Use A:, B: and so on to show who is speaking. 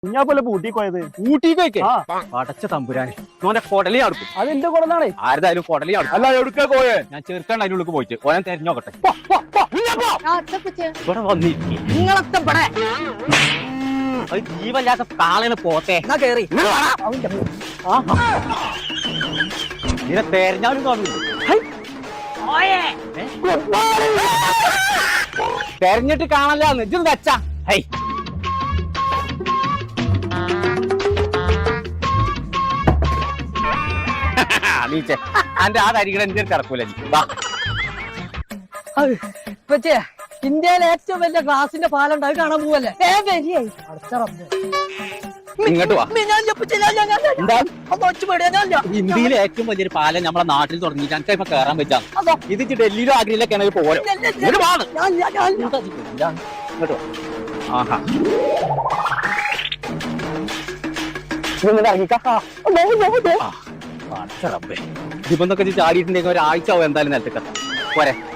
A: ഞാൻ പോലെ ഊട്ടി പോയത്.
B: ഊട്ടിക്ക് അടച്ച തമ്പുരാനെ ഓന്റെ കൊടലി അടുക്കും.
A: അതെന്റെ കൊടനാണേ.
B: ആരതായാലും കൊടലി അടുക്കും.
A: അല്ല എവിടുക്കാ പോയേ?
B: ഞാൻ ചെറുക്കണ്ട അതിനുള്ളിൽ പോയിട്ട് ഓനെ തെരഞ്ഞോക്കട്ടെ. ഇവിടെ വന്നിരിക്കും അത് ജീവല്ലാത്ത കാളനെ പോത്തെ
A: കേറി
B: ഇതിനെ തെരഞ്ഞാലും കാണുന്നു. തെരഞ്ഞിട്ട് കാണല്ലാന്ന് ഇജ്ജ് വെച്ചാ ഹൈ നീച്ചേ അന്റെ ആ തരികട എന്റെ കിടക്കൂല.
C: ഇന്ത്യയിലെ ഏറ്റവും വലിയ ഗ്ലാസിന്റെ പാലുണ്ട്, അത് കാണാൻ പോവല്ലേ?
B: ഇങ്ങോട്ട് വാ. ഇന്ത്യയിലെ ഏറ്റവും വലിയൊരു പാലം നമ്മളെ നാട്ടിൽ തുടങ്ങിയിട്ട് എനിക്ക് ഇപ്പൊ കയറാൻ പറ്റാം. ഇത് ഡൽഹിയിലോ ആഗ്രയിലൊക്കെ ആണെങ്കിൽ പോരോ. ഇങ്ങോട്ട് ആഹാ ഇതിപ്പൊന്നൊക്കെ ചാടിയിട്ടുണ്ടെങ്കിൽ ഒരാഴ്ച ആവും എന്തായാലും നിലത്തേക്കെത്താം. പോരെ.